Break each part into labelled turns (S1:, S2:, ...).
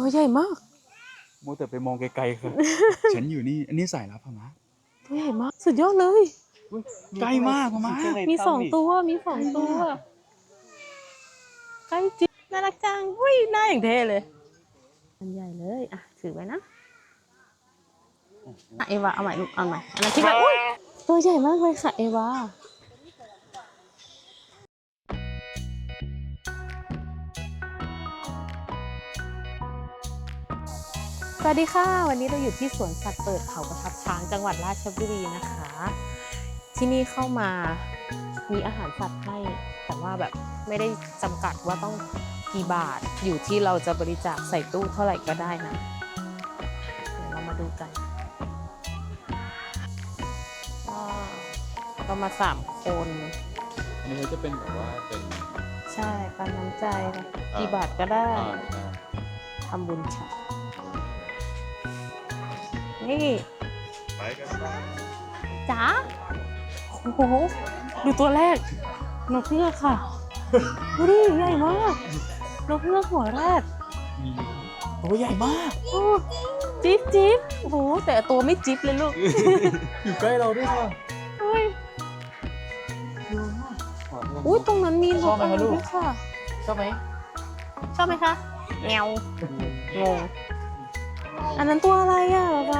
S1: ตัวใหญ่มาก
S2: โมแต่ไปมองไกลๆค่ะ ฉันอยู่นี่ อันนี้สายลับพม่า
S1: ตัวใหญ่มากสุดยอดเลย
S2: ใกล้มากพม่า
S1: มี2 ตัวใกล้จริงน่ารักจังอุ้ยหน้าอย่างเท่เลยอันใหญ่เลยอ่ะถือไว้นะเอวาเอาใหม่ลูกเอาใหม่อันนั้นทิ้งไว้อุ้ยตัวใหญ่มากเลยค่ะเอวาสวัสดีค่ะวันนี้เราอยู่ที่สวนสัตว์เปิดเขาประทับช้างจังหวัดราชบุรีนะคะที่นี่เข้ามามีอาหารสัตว์ให้แต่ว่าแบบไม่ได้จำกัดว่าต้องกี่บาทอยู่ที่เราจะบริจาคใส่ตู้เท่าไหร่ก็ได้นะเดี๋ยวเรามาดูกันก็มา3 คน
S2: อันนี้เขาจะเป็นแบบว่าเป็น
S1: ใช่ปันน้ำใจนะกี่บาทก็ได้ทำบุญค่ะนี่
S2: ไปกัน
S1: จ๋าโอ้โหดูตัวแรกนกเงือกค่ะดูดิใหญ่มากนกเงือกหัวแรก
S2: ตัวใหญ่มาก
S1: โอ้จิ๊บจิ๊บโอ้โหแต่ตัวไม่จิ๊บเลยลูก
S2: อยู่ใกล้เราด้วยค่ะ
S1: อุ้ยอุ้ยตรงนั้นมีน
S2: ชอก บไหม
S1: อะไร
S2: คะลูก
S1: ด้วยค่ะ
S2: ชอบไหม
S1: ชอบไหมคะแงวงงอันนั้นตัวอะไรอ่ะป๊า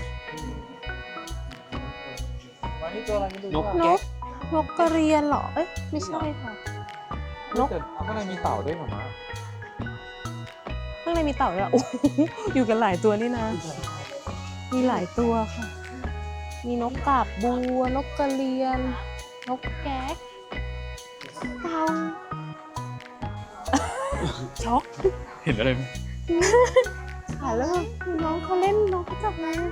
S2: มานี่ตัวอะไรกันดู
S1: นกกระเรียนเหรอเอ้ยไม่ใช่ค่ะนก
S2: แต่ข้างในมีเต่าด้วยเหรอมะ
S1: ข้างในมีเต่าด้วยโอ้โหอยู่กันหลายตัวนี่นะ มีหลายตัวค่ะ มีนกกาบบัวนกกระเรียน นกแก๊กเต่าช็อก
S2: เห็นอะไรไหม
S1: ค่ะแล้วน้องเขาเล่นน้องเขาจับมา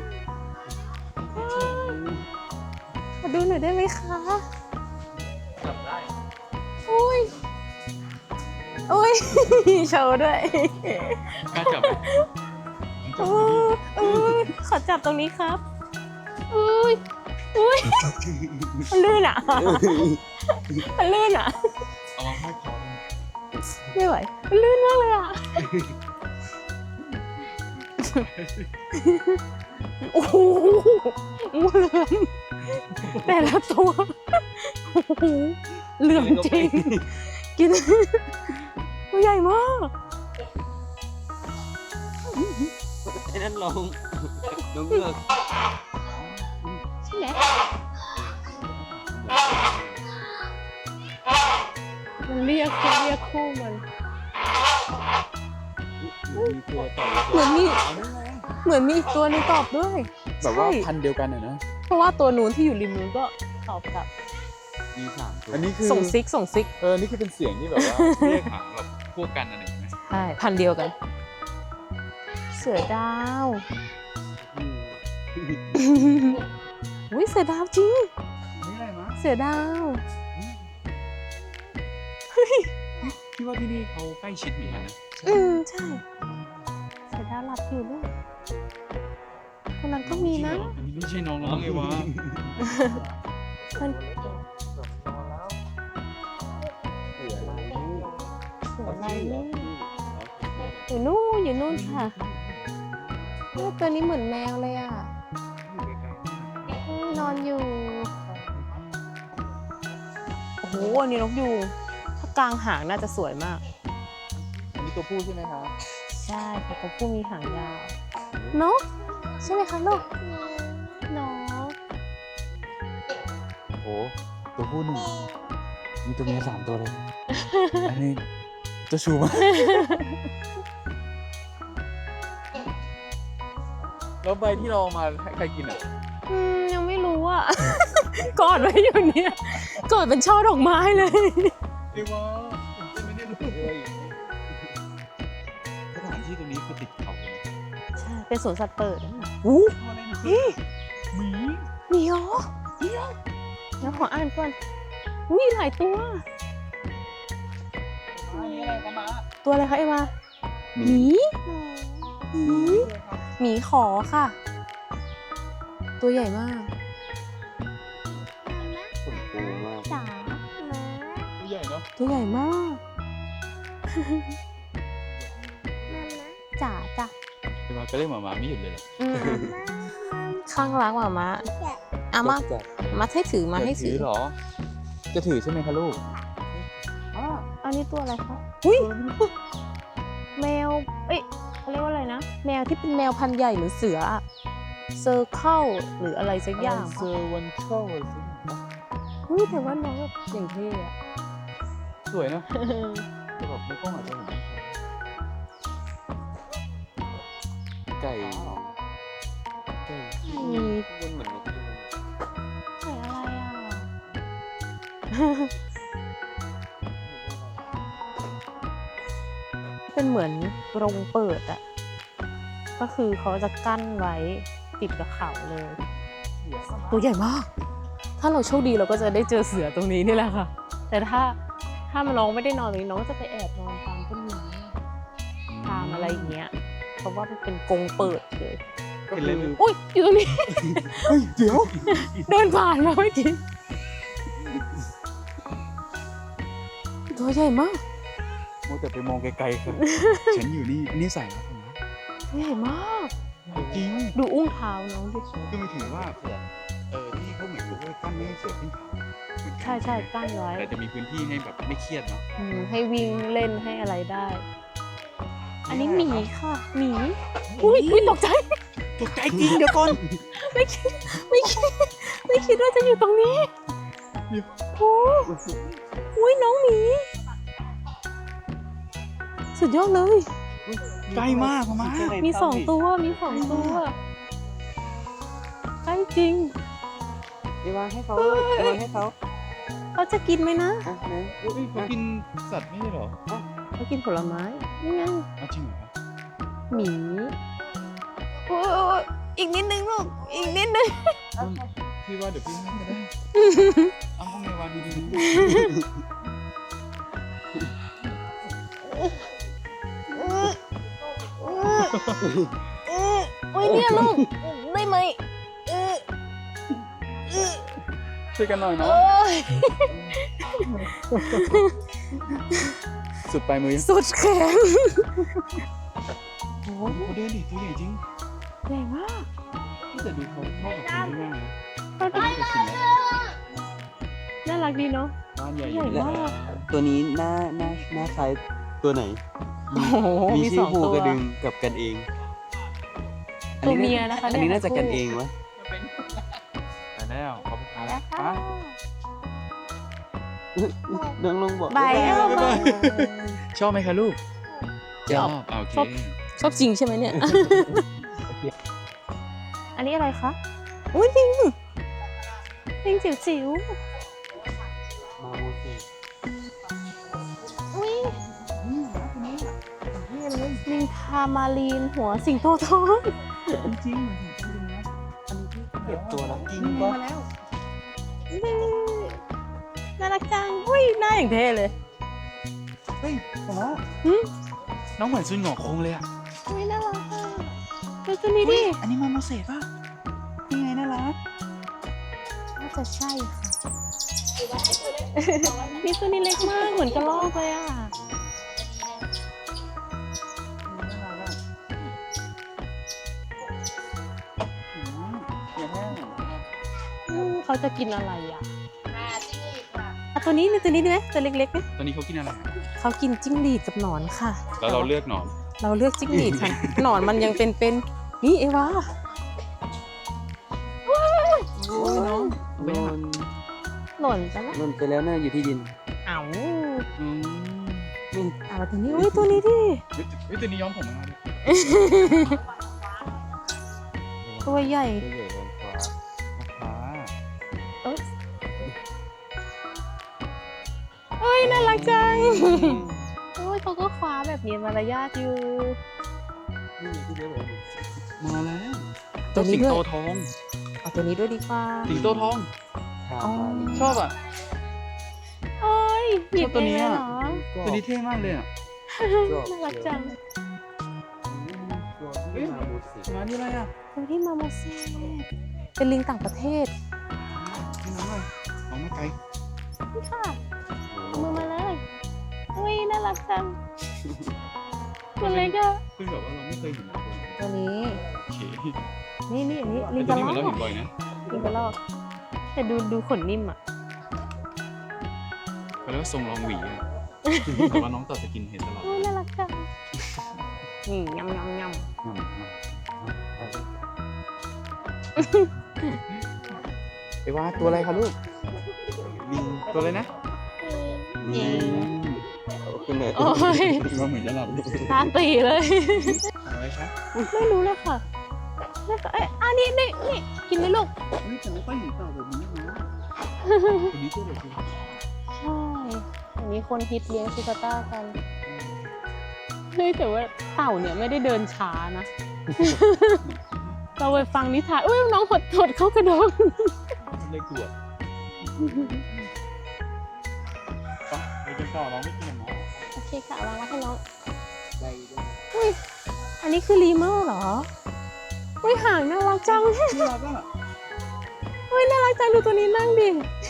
S1: ขอดูหน่อยได้ไหมคะ
S2: จับได้
S1: อุ้ยอุ้ย โชว์ด้วย
S2: กล้าจับไหมจับ
S1: อุ้ยขอจับตรงนี้ครับอุ้ยอุ้ยมันลื่นอ่ะมันลื่นอ่ะ
S2: เอามาให้พอ
S1: ไม่ไหวมันลื่นมากเลยอ่ะโอ้โหงูเหลือมแต่ละตัวโอ้โหเหลือมจริงกินตัวใหญ่มาก
S3: ไอ้นั่นลองน้องเงือก
S1: ใช่ไหมมันเรียกคู่มัน
S3: มีตัวต่อ
S1: เหมือนมีอีกตัวหนึงตอบด้วย
S2: แบบว่า
S1: ใช่
S2: พันธุ์เดียวกันอะนะ
S1: เพราะว่าตัวนู้นที่อยู่ริมนู้นก็ตอบกลับ
S3: มี3 ตัว
S2: อันนี้คือ
S1: ส่งซิก
S2: นี่คือเป็นเสียงที่แบบว่า เรียกหาแบบพวกกันอะไรอย่างเงี้ย
S1: ใช่พันธุ์เดียวกัน เสือดาว อุ้ยเสือดาวจริง
S2: นี่อะไรมะ
S1: เสือดาว
S2: พี่ว่าที่นี่เขาใกล้ชิดเหมือนกันนะ
S1: ใช่ เสือดาวหลับอยู่ด้วยตรงนั้นก็มีนะ
S2: อันนี้ไม่ใช่น้องไงวะ
S1: มันเสืออะไรนี่อยู่นู่นค่ะตัวนี้เหมือนแมวเลยอ่ะนอนอยู่ โอ้โหอันนี้นกยูงถ้ากลางหางน่าจะสวยมาก
S2: อันนี้ตัวผู้ใช่ไหมคะ
S1: ใช่ค่ะตัวผู้มีหางยาว นก ใช่ไหมคะลูกนก
S2: โอ้ตัวผู้1มีตัวเมีย3 ตัวเลย อันนี้จะชูมากแล้วใบที่เราเอามาให้ใครกินอ่ะ
S1: ยังไม่รู้อ่ะ กอดไว้อยู่เนี่ยกอดเป็นช่อดอกไม้เลย
S2: เรียกว่าไม่ได้รู้เลยสถานที่ตรงนี้คือติดเขา
S1: ใช่ เป็นสวนสัตว์เปิดนะอู้
S2: อะไรนะ
S1: นี่
S2: หมี
S1: เหมียวเดี๋ยวขออ่านก่อนอุ้ยหลายตัว
S2: อันนี้อะไรกันมา
S1: ตัวอะไรคะเอวาหมีหมีขอค่ะ ตัวใหญ่มาก
S3: สมปูมาก
S1: จ๋า
S2: ตัวใหญ่เนาะ
S1: ตัวใหญ่มากจ๋า
S2: ก็เล่นหมาไม่หยุดเลยเหรอ
S1: อืมข้างรักหมามะมาให้ถือมาให้
S2: จะ
S1: ถื
S2: ถื
S1: อ
S2: อเหรอ จะถือใช่ไหมคะลูก
S1: อันนี้ตัวอะไรคะอุ้ยแมวเอ้ยเขาเรียกว่าอะไรนะแมวที่เป็นแมวพันธุ์ใหญ่หรือเสือเซอร์เคิลหรืออะไรสักอย่าง
S2: เซอร์วันเช่าอะไรสิ
S1: อุ้ยแต่ว่าน้องแบบอย่างเท่อะ
S2: สวยนะแต่แบบในกล้องอาจจะเห็นไม่ชัดไก่ไก่
S1: มี
S3: มันเหมือนนกยูง
S1: ใส่อะไรเป็นเหมือนโรงเปิดอะก็คือเขาจะกั้นไว้ติดกับเขาเลย ตัวใหญ่มาก ถ้าเราโชคดีเราก็จะได้เจอเสือตรงนี้นี่แหละค่ะ แต่ถ้ามันน้องไม่ได้นอนตรงนี้น้องก็จะไปแอบนอนตามต้นไม้ตามอะไรอย่างเงี้ย เพราะว่ามันเป็นกรงเปิดเลย
S2: เห็นเลยไหม
S1: อุ้ยอยู่ตรงนี้
S2: เฮ้ยเดี๋ยว
S1: เดินผ่านมาเมื่อกี้ตัวใหญ่มาก
S2: มัวแต่ไปมองไกลๆค่ะ ฉันอยู่นี่ อันนี้ใส่แล้วผมนะ
S1: ตัวใหญ่มาก
S2: จริง
S1: ดูอุ้งเท้าน้องดิ
S2: คือไม่ถือว่าที่เขาเหมือนกับว่ากั้นไม่ให้เสือขึ้นเขาเหมือนกัน
S1: ใช่กั้นไว้
S2: แต่จะมีพื้นที่ให้แบบไม่เครียดเนาะ
S1: ให้วิ่งเล่นให้อะไรได้ อันนี้หมีค่ะหมีอุ้ยตกใจ
S2: ตกใจจริงเดี๋ยวก่อน
S1: ไม่คิดว่าจะอยู่ตรงนี้โอ้อุ้ยน้องหมี สุดยอดเลย
S2: ใกล้มากมา
S1: มีสองตัวใกล้จริง
S3: เอวาให้เขาเอวาให้เขา
S1: เขาจะกินไหมนะ
S3: อ่ะไหน
S2: เขากินสัตว์ไม่ใช่เหรอ
S1: เขากินผลไม้นี่ไง
S2: เอาจริงเหรอ
S1: หมีโอ้ยอีกนิดนึงลูกอีกนิดนึง
S2: พี่ว่าเดี๋ยวพี่ให้ก็ได้เอาห้องในวันดี
S1: โอ้ยเนี่ยลูกได้ไหม
S2: ๆช่วยกันหน่อยเนาะ
S1: โอ้ย
S2: สุดปลายมือ
S1: สุดแขน
S2: โอ้โหเขาเดินดิตัวใหญ่จริง
S1: ใหญ่มาก
S2: แต่ดูเขาเข้ากับคนได้ง่ายนะ
S1: น่ารัก
S2: จะชินแล้ว
S1: น่ารักดีเนาะ
S2: บ้านใหญ่
S1: ใหญ่มาก
S3: ตัวนี้หน้าคล้ายตัวไหน
S1: โอ้โห
S3: มี
S1: มี
S3: ชื่
S1: ส
S3: อ
S1: อง
S3: ภู
S1: ตัว
S3: กระดึงกับกันเอง
S1: ตัวเมียนะคะ
S3: อันนี้น่าจะกันเองวะ
S2: ไปแล้วขอบคุณครับ
S1: ค่ะ
S3: น้องลงบอก
S1: บายเอาบาย
S2: ชอบไหมคะลูก
S1: ชอบ
S2: โอเค
S1: ชอบจริงใช่ไหมเนี่ย อันนี้อะไรคะอุ้ยลิงจิ๋ว
S3: มาโมเสส
S1: ๆอุ้ยลิงทามารีนหัวสิงโตทอง
S2: จริง
S3: เก็บตัวแล้วจริงปะ
S1: น่ารักจังอุ้ยหน้าอย่างเท่เลย
S2: เฮ้ยผมว่า
S1: หืม
S2: น้องเหมือนซุนหงอกคงเลยอ่ะ
S1: อุ้ยน่ารักอ่ะดูตัวนี้ดิ
S2: อันนี้มาโมเสสป่ะยังไงน่ารัก
S1: น่าจะใช่ค่ะ มีตัวนี้เล็กมากเหมือนกระรอกเลยอ่ะ เขาจะกินอะไรอ่ะตัวนี้ตัวนี้ดีไหมตัวเล็กๆไหม
S2: ตอนนี้เขากินอะไร
S1: เขากินจิ้งหรีดกับหนอนค่ะ
S2: แล้วเราเลือกหนอน
S1: เราเลือกจิ้งหรีดค่ะ หนอนมันยังเป็นนี่เอวา
S2: โอ้ยน้อง
S3: โดน
S1: หล่นจ้ะนะ
S3: โดนไปแล้วน่าอยู่ที่ดิน
S1: เอ้า
S2: อืม
S1: เอาตัวนี้อุ้ยตัวนี้ดิ
S2: เฮ้ยตัวนี้ย้อมผมมาเลย
S1: ตัวใหญ่
S3: ตัวใหญ่บนฟ้า
S2: ฟ้า
S1: เอ้ยเอ้ยน่ารักจังโอ้ยเขาก็คว้าแบบมีมารยาทอยู่
S3: นี่ที่เรียกว่า
S2: มาแล้ว
S1: ตัวนี้
S2: สิง
S1: ด้วย
S2: โตทอง
S1: เอาตัวนี้ด้วยดีกว่า
S2: สิงโตทอง
S3: ทามาลี
S2: ชอบอ่ะ
S1: โอ้ยหยิบ
S2: ชอบตัวนี้
S1: เองเลย
S2: อะ
S1: เหรอ
S2: ตัวนี้เท่มากเลยอ่ะ
S1: น่ารักจัง
S3: ตัวที่มาโมเสส
S2: มานี่อะไรอ่ะ
S1: ตัวที่มาโมเสสเป็นลิงต่างประเทศ
S2: นี่น้องเลยน้องไม่ไกล
S1: นี่ค่ะเอามือมาเลยอุ้ยน่ารักจังตัวเล็กอะ
S2: คือแบบว่าเราไม่เคยเห็นตัวนี้
S1: ตัวนี้
S2: โอเค
S1: นี่อันนี้ลิ
S2: ไอ้
S1: ง
S2: ตัว
S1: กระ
S2: นี้
S1: ร
S2: เหมือนเราเห็นบ่อยนะ
S1: ลิงกระรอกแต่ดูขนนิ่มอ่ะ
S2: เขาเรียกว่าทรงรองหวีอะแต่ว่าน้องตัดสกินเฮดตลอด
S1: โอ้น่ารักจังนี่ยำ
S2: ไอ้ว่าตัวอะไรคะลูกลิงตัวอะไรนะ
S1: เอง
S3: คุณแม่
S1: โอ้ย
S2: ว่าเหมือนจะหลับ
S1: ตาตีเลย
S2: อะไรคะ
S1: ไม่รู้เลยค่ะแล้วก็อันนี้กินไหมลูก
S2: เฮ้ยแต่ไม่ค่อยเห็นเต่าแบบนี้นะคนนี้ตัวเด็กจริง
S1: ใช่อันนี้คนฮิตเลี้ยงชิคาต้ากันเฮ้ยแต่ว่าเต่าเนี่ยไม่ได้เดินช้านะ เราไปฟังนิทานอุ้ยน้องหดเข้ากระโดด
S2: เลยกลัวไปกินต่อน้องไม่กินหรอ
S1: โอเคค่ะวางไว้ให้น้อง
S3: ใจด้วย
S1: อุ้ยอันนี้คือลีเมอร์เหรออุ้ยหางน่ารักจัง
S2: น่ารักอ่ะ
S1: อุ้ยน่ารักจังดูตัวนี้นั่งดิ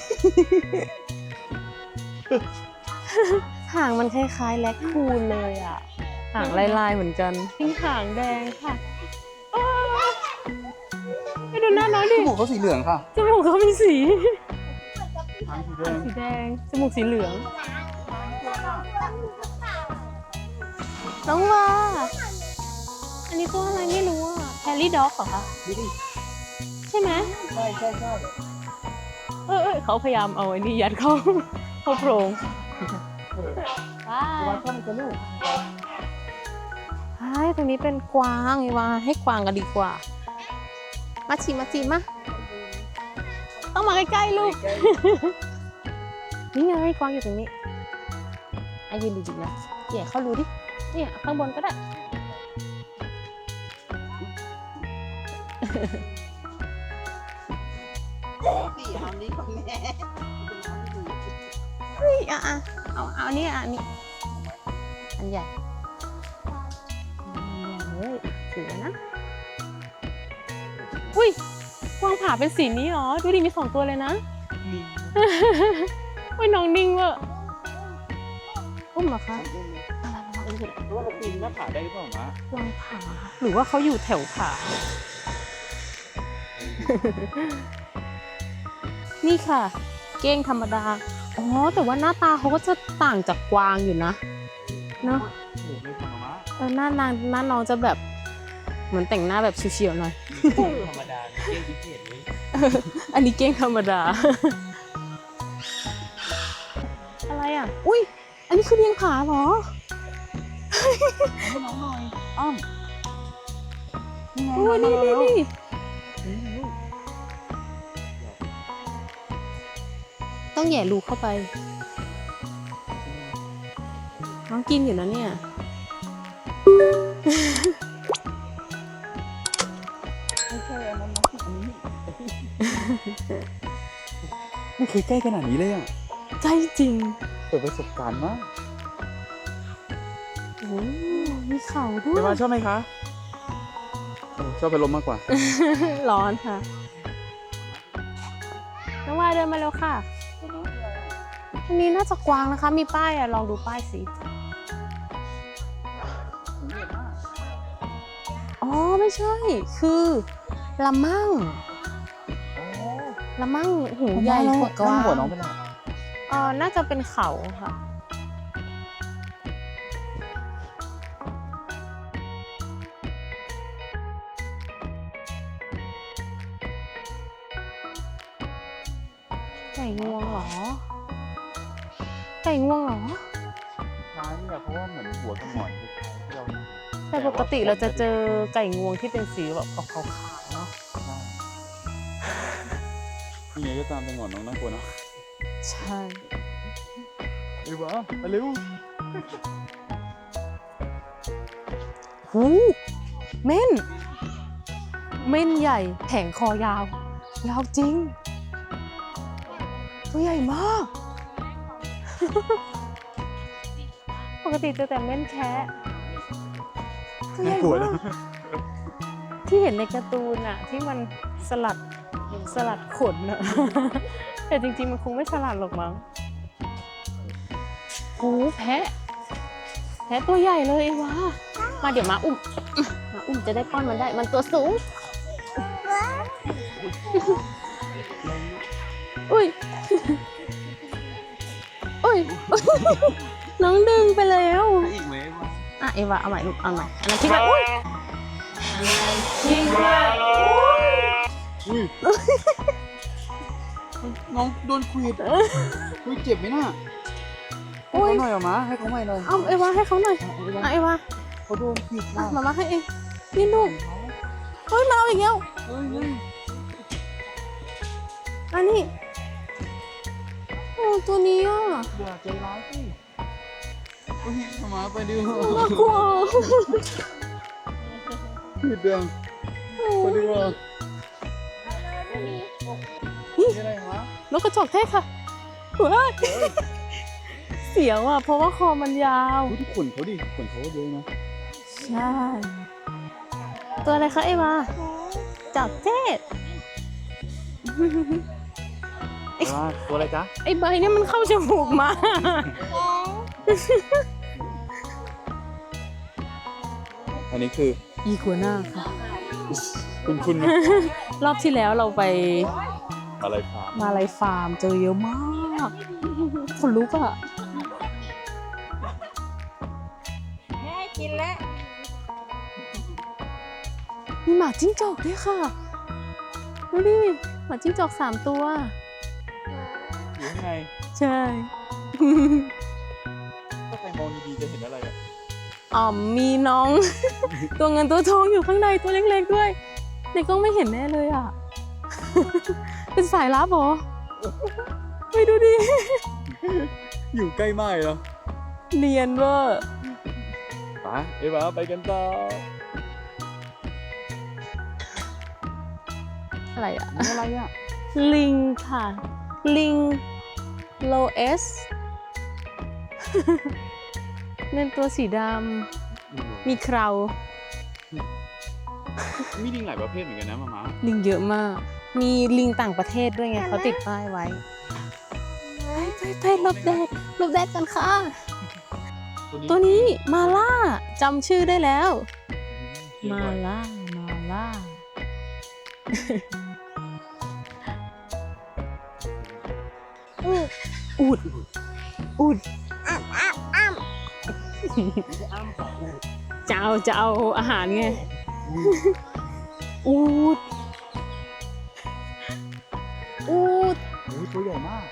S1: หางมันคล้ายๆแล็คคูนเลยอ่ะ หางลายๆเหมือนกันทิ้งหางแดงค่ะอ้าวไปดูหน้าน้องดิ
S2: จมูกเขาสีเหลืองค่ะ
S1: จมูกเขามีสี
S2: ทางสีแดง
S1: สีแดง จมูกสีเหลือง น้องว่า อันนี้ตัวอะไรไม่รู้อ่ะแฮร์รี่ด็อกเหรอคะ
S2: ดูดิ
S1: ใช่ไหม
S2: ใช่
S1: เขาพยายามเอาไอ้นี่ยัดเข้า เข้าโพรงว้า
S2: ว่าชอบมันจะลูก
S1: ใช่ตรงนี้เป็นกวางไอ้ว่าให้กวางกันดีกว่า มาชิมาต้องมาใกล้ๆลูก นี่ไงกวางอยู่ตรงนี้อายืนดีๆนะแย่เข้ารูดิ เนี่ยข้างบนก็ได้
S3: สี่ทำนี้ของแม่
S1: เฮ้ยเอาอันนี้อันนี้ อันใหญ่เลยถือนะ อุ้ยกวางผาเป็นสีนี้เหรอ ดูดิมี2 ตัวเลยนะ
S2: นิ่ง
S1: อุ้ยน้องนิ่งเวอร์อุ้มเหรอคะ
S2: เพราะว่าเราปีนหน้าผาได้หรือเปล่ามะ
S1: กวางผา หรือว่าเขาอยู่แถวผา นี่ค่ะ เก้งธรรมดา อ๋อ แต่ว่าหน้าตาเขาก็จะต่างจากกวางอยู่นะ เนอะ
S2: โอ้โหเลยค่ะมะ
S1: หน้น้องจะแบบเหมือนแต่งหน้าแบบเฉียวๆหน่อย
S3: ธรรมดาเก่งพิเศษเลย
S1: อันนี้เก้งธรรมดา อะไรอ่ะ อุ้ย อันนี้คือเลี้ยงผาเหรอ
S2: ให้น้องหน่อยอ้อม
S1: โอ้ยนี่ต้องแหย่รูเข้าไป น้องกินอยู่นะเนี่ย
S2: ไม่ใช่อันนั้นน้องอันนี้ไม่เคยใกล้ขนาดนี้เลยอ่ะ
S1: ใจจริง
S2: เปิดประสบการณ์มาก
S1: โอ้มีเข่าด้ว
S2: เดี๋
S1: ย
S2: ยวมาชอบไหมคะชอบไปลมมากกว่า
S1: ร้อนค่ะ น้องวายเดินมาเร็วค่ะ อันนี้น่าจะกวางนะคะ มีป้ายอ่ะ ลองดูป้ายสิ อ๋อ ไม่ใช่ คือละมั่งละมั่งหูใหญ่กว่ากวาง
S2: หัวน้องเป็นไร
S1: น่าจะเป็นเขาค่ะ ไก่งวงเหรอ ไก่งวงเหรอ
S2: คล้ายเนี่ยเพราะว่าเหมือนหัวกับหงอนที่เรา
S1: แต่ปกติเราจะเจอไก่งวงที่เป็นสีแบบขาวๆเนาะ
S2: นี่ไงก็ตามเป็นหงอนน้องน่ากลัวเนาะ
S1: ใช่
S2: ไอ้วะไปเร็ว
S1: หูเม่น เม่นใหญ่แผงคอยาว ยาวจริง ตัวใหญ่มาก ปกติเจอแต่เม่นแคะตัวใหญ่
S2: น่ากลัว
S1: มา
S2: นะ
S1: กที่เห็นในการ์ตูนอะที่มันสลัดขนอะ แต่จริงๆ มันคงไม่สลัดหรอกมั้งโอ้แพะตัวใหญ่เลยไอ้วะมาเดี๋ยวมาอุ้มมาอุ้มจะได้ป้อนมันได้ มันตัวสูง อุ้ย อุ้ย น้องดึงไปแล้ว
S3: อีกไหมวะ
S1: อ่ะเอวาเอาใหม่ลูกเอาใหม่อันนั้นที่แบบอุ้ย
S2: น้องโดนขวิดอุ้ยเจ็บไหมน่ะให้
S1: อุ้ย
S2: เขาหน่อยเหรอมะให้เขาใหม่หน่อย
S1: เอาเอวาให้เขาหน่อยอ่ะเอวา
S2: เขาโดนขวิด
S1: อ่ะ
S2: มาก
S1: มาให้เองนี่ลูกเฮ้ยมาเอาอีกแล้ว
S2: เฮ้ย
S1: อันนี้โอ้ตัวนี้อ่ะ
S2: อย่าใจร้ายสิเฮ้ยมาไปดิ
S1: น่ากลัว
S2: ขวิดเดืองไปดีกว่านี่อะไรวะ
S1: นกกระจอกเทศค่ะว้ายเสียวอ่ะเพราะว่าคอมันยาว
S2: ดูที่ขนเขาดิขนเขาเยอะนะ
S1: ใช่ ตัวอะไรคะเอวาจอกเทศ
S2: ว่าตัวอะไรจ๊ะ
S1: ไอ้ใบเนี่ยมันเข้าจมูกมา
S2: อันนี้คือ
S1: อีกัวน่าค่ะ
S2: คุณไหม
S1: รอบที่แล้วเราไป
S2: อะไรครับ
S1: มาลายฟาร์มเจอเยอะมากคนลุกอ่ะ
S4: แม่กินแล้ว
S1: มีหมาจิ้งจอกด้วยค่ะ ดูดิ หมาจิ้งจอก3 ตัว
S2: อยู่ข้างใน
S1: ใช่
S2: ถ้าใครมองดีๆจะเห็นอะไรอ่ะ
S1: อ๋อมีน้อง ตัวเงินตัวทองอยู่ข้างในตัวเล็กๆด้วยในกล้องไม่เห็นแน่เลยอ่ะ เป็นสายลับเหรอไปดูดิ
S2: อยู่ใกล้ไม้เหรอ
S1: เนียนเวอร์
S2: ไปเอวาไปกันต่อ
S1: อะไรอ่ะ
S2: นี่อะไรอ่ะ
S1: ลิงค่ะ ลิงโลเอส เน้นตัวสีดำ มีเครา
S2: มีลิงหลายประเภทเหมือนกันนะมาม่า
S1: ลิงเยอะมาก มีลิงต่างประเทศด้วยไงเขาติดป้ายไว้ ไปหลบแดดหลบแดดกันค่ะ ตัวนี้มาล่าจำชื่อได้แล้ว มาล่า มาล่า อูด อูดจะเอาอาหารไง อูด อูด
S2: โอ้ยตัวใหญ่มาก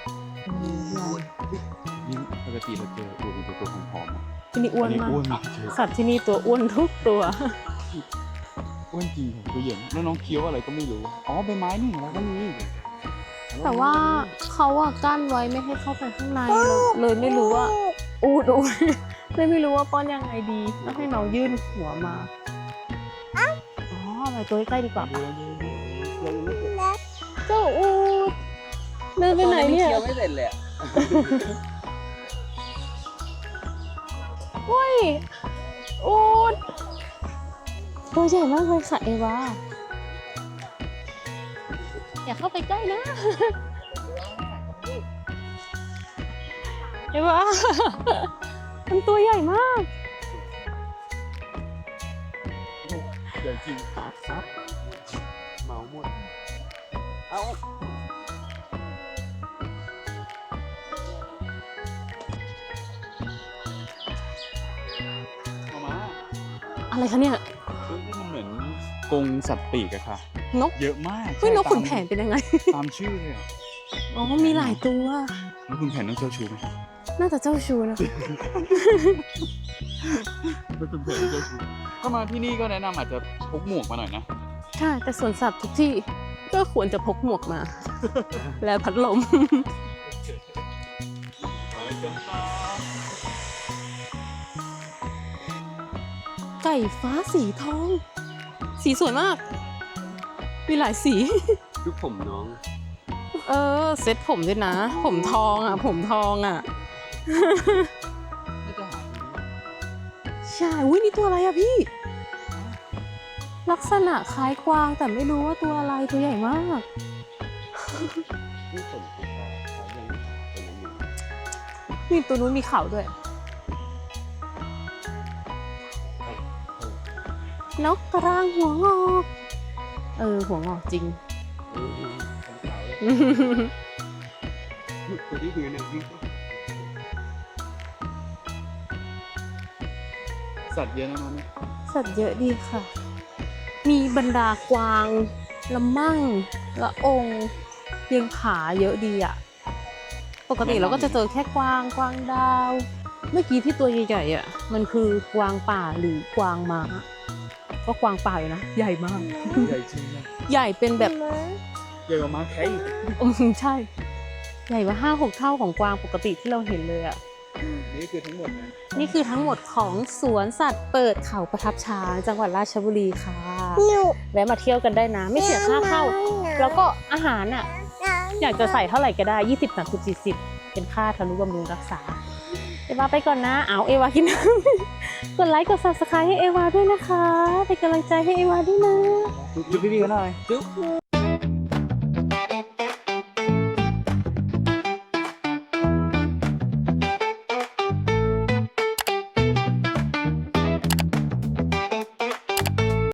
S2: นี่ปกติเราเจออูดเป็นตัวผอมๆอ่ะ
S1: ที่นี่อ้วนมาก
S2: อ้วนมากเฉย
S1: สัตว์ที่นี่ตัวอ้วนทุกตัว
S2: อ้วนจริงค่ะตัวใหญ่แล้วน้องเคี้ยวอะไรก็ไม่รู้ อ๋อใบไม้นี่เราก็มี
S1: แต่ว่าเขาอะกั้นไว้ไม่ให้เข้าไปข้างในเลยไม่รู้ว่า อูดเลยไม่รู้ว่าป้อนยังไงดีต้องให้น้องยื่นหัวมา อ๋อไปตัวใกล้ๆดีกว่า
S2: ดูเรายังไม่เสร็จ
S1: เจ้าอูดเดินไปไหนเนี่ย
S3: เคี้ยวไม่เสร็จเลยอะ
S1: โอ้ยอูดตัวใหญ่มากเลยค่ะเอวาอย่าเข้าไปใกล้นะ เอวามันตัวใหญ่มาก
S2: ใหญ่จริงครับ
S3: เมาหมด เอา
S2: มาม่า
S1: อะไรคะเนี่ย
S2: นี่มันเหมือนกรงสัตว์ปีกอะค่ะ
S1: นก
S2: เยอะมาก
S1: เฮ้ยนกขุนแผ
S2: ตาม
S1: นเป็นยังไง
S2: ตามชื่อเลยอะ
S1: อ๋อ มีหลายตัว
S2: นกขุนแผนต้องเจ้าชูไหม
S1: น่าจะเจ้าชูนะ
S2: นกขุนแผนเจ้าชูก็มาที่นี่ก็แนะนำอาจจะพกหมวกมาหน่อยนะ
S1: ใช่ แต่สวนสัตว์ทุกที่ก็ควรจะพกหมวกมา และพัดลม ไก่ฟ้าสีทอง สีสวยมาก มีหลายสี
S3: ดูผมน้อง
S1: เออ เซ็ตผมด้วยนะ ผมทองอ่ะ ผมทองอ่ะ
S2: ไม่จะหา
S1: ใช่ อุ้ยนี่ตัวอะไรอะพี่ ลักษณะคล้ายกวางแต่ไม่รู้ว่าตัวอะไรตัวใหญ่มาก
S3: นี่ผมคือเขายังไม่เป็นอันนี้
S1: นี่ตัวนู้นมีเขาด้วยนกกระรางหัวงอกหัวงอกจริง
S3: ขาวเลยตัวที่คือเนี่ยวิ่งสัตว์เยอะนะมัน
S1: สัตว์เยอะดีค่ะ มีบรรดากวางละมั่งละองเลี้ยงผาเยอะดีอ่ะ ปกติเราก็จะเจอแค่กวางดาว เมื่อกี้ที่ตัวใหญ่ๆอ่ะ มันคือกวางป่าหรือกวางม้าก็กวางป่าอยู่นะ ใหญ่มาก
S2: ใหญ่จริงนะ
S1: ใหญ่เป็นแบบ
S2: ใหญ่กว่าม้าแค่อีก
S1: ใช่ ใหญ่กว่า5-6 เท่าของกวางปกติที่เราเห็นเลยอ่ะ
S2: นี่คือทั้งหมดนะ
S1: นี่คือทั้งหมดของสวนสัตว์เปิดเขาประทับช้างจังหวัดราชบุรีค่ะแวะมาเที่ยวกันได้นะ ไม่เสียค่าเข้า แล้วก็อาหารอ่ะ อยากจะใส่เท่าไหร่ก็ได้ 20 30 40 เป็นค่าทนุบำรุงรักษา เอวาไปก่อนนะ เอาเอวากินน้ำ กดไลค์กด subscribe ให้เอวาด้วยนะคะ เป็นกำลังใจให้เอวาด้วยนะ
S2: จุ๊บพี่ๆกันหน่อย